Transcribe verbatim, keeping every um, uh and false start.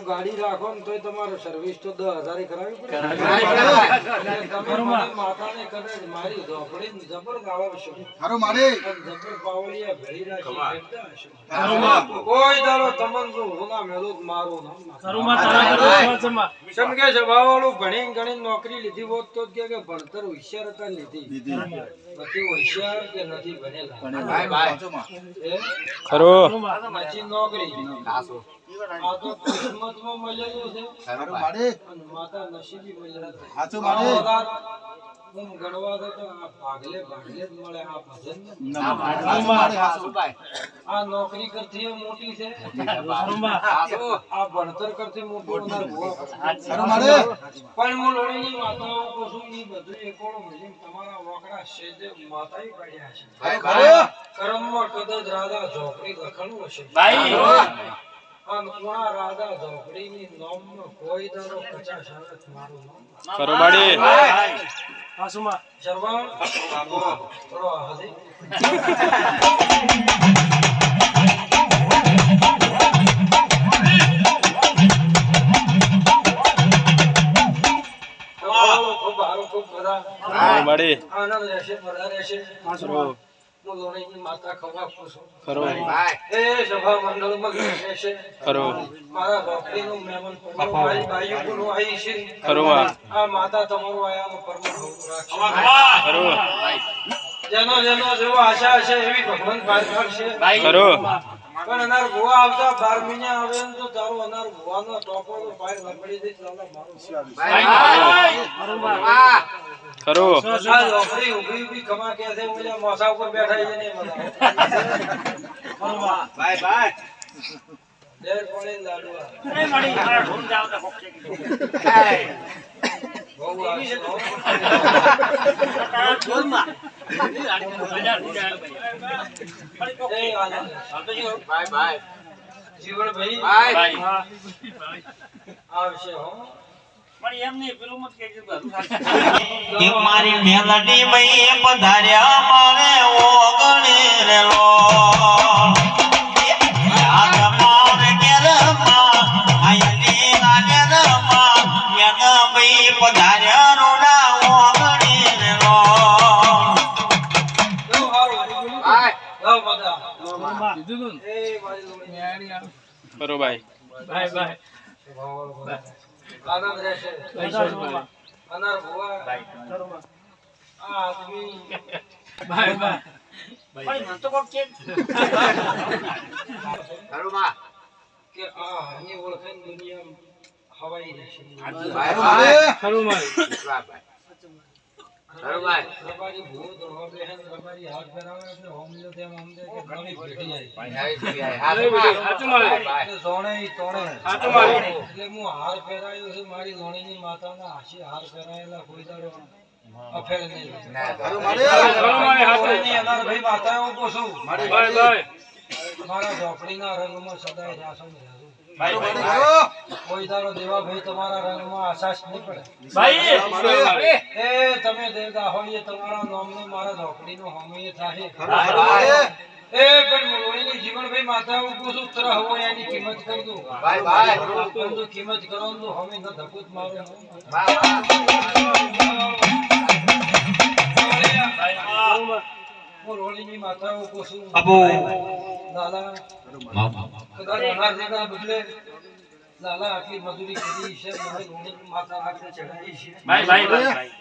ગાડી રાખો ને તોય તમારે સર્વિસ તો દસ હજાર કરાવી પડે. માતાને કદાચ મારી ઝોપડી જબર ગાળવશો, જબર પાવડિયા ભેળી રાખી કોઈ દાડો તમને જો હોના મેલો મારું નામ સમકે સભાવાળું ભણી ગણી નોકરી લીધી હોત તો કે ભણતર હોશિયાર હતા લીધી નથી હોશિયાર કે નથી ભણેલા ખરો નથી નોકરી આ તો કિસ્મતમાં મળેલું છે અને માતા નસીબી મળેલા છે. હું ગણવા દો તો આ ભાગલે ભાગલે જ મળે આ ભજન આ નોકરી કરતી મોટી છે આ ભણતર કરતી મોટું પણ હું લોણીની માતાઓ કશું ની બધું એકોડો મળી તમારા વકડા સેજે માતાએ પાડ્યા છે. કરમમાં કદાચ રાધા ઝોપડી લખણું હશે અને કોણા રાધા ઝોપડીની નોમનો કોઈ દાડો પચાસ આવે મારું નામ ખરો બાડી આસુમા શરવાણ બાબો થોડો હજી ખૂબ હારો ખૂબ બધા બાડી આનંદ રહેશે બધા રહેશે. હું લોણીની માતા ખવા પૂછું ખરો એ સભા મંડળમાં રહેશે ખરો મારા ભક્તિનું મહેમાન મારી બાઈઓનું આવી છે ખરો આ માતા તમારું આયાનો પરમ રાખશે. ખરો જેનો જેનો જેવો આશા હશે એવી ભગવાન પાર કરશે. ખરો પણ અનાર ભુવા આવતા બાર મહિને આવે ને તો તારો અનાર ભુવાનો ટોપો પાર લપડી દે ચાલો મારું ખરો આ લોફરી ઉભી ઉભી ખમા કે છે ઓલા મોસા ઉપર બેઠા છે ને બધા બાય બાય દેર પડે લાડવા એ મારી મારા ઢોમ જાવ તો ફોક છે બહુ આવી છે ઢોલમાં એ આનંદ બાય બાય જીવન ભાઈ બાય આવશે હો મારી મેલડી મઈ પધાર્યા મારે ઓગણે રેલો યાદ મારે કેરમાં આયની લાગે રમાં મેન મઈ પધાર્યા રોડા ઓગણે રેલો જો હારો બાય જાવ બધા કીધું એ મારી લોણી ખરો ભાઈ બાય બાય આનંદ રહેશે અનાર ભુવા આ આદમી બાય બાય ભાઈ મન તો કોક કે ખરુમા કે આ હની ઓળખાણ દુનિયા હવાઈ રહેશે બાય બાય ખરુમા બાય ખરુમા તમારી ભૂ દોડવા બેહન તમારી હાથ ફેરાવે એટલે હોમલો તેમ હોમલે કે ઘણી ભેટી જાય હાથ સાચું મારે સોણે તોણે સાચું મારે એટલે હું હાર ફેરાયો છે મારી લોણીની માતાના હાસી હાર ફેરાયેલા કોઈ દાડો અફેર નહીં ના મારે મારે હાથની અનાર ભાઈ માતાઓ પૂછું મારી બાય બાય મારા ઝોપડીના રંગમાં સદાય રાસમ રહેજો ભાઈ ભાઈ કોઈ દાડો દેવા ભાઈ તમારા રંગમાં આશાશ નહીં પડે ભાઈ એ તમે દેવતા હોય તમારા નામનું મારા ઝોપડીનો હોમીએ થાય એ પણ લોણીની જીવનભાઈ માતાઓ પૂછું તર હોય એની કિંમત કરી દઉં ભાઈ ભાઈ પણ તો કિંમત કરો તો હોમી ન ધકુત મારો હું લોણીની માતાઓ પૂછું બાબુ લાલા કદાચ અનાર દેના બદલે લાલા આટલી મજૂરી કરી છે મારી લોણીની માતા આગળ ચડાવી છે ભાઈ ભાઈ ભાઈ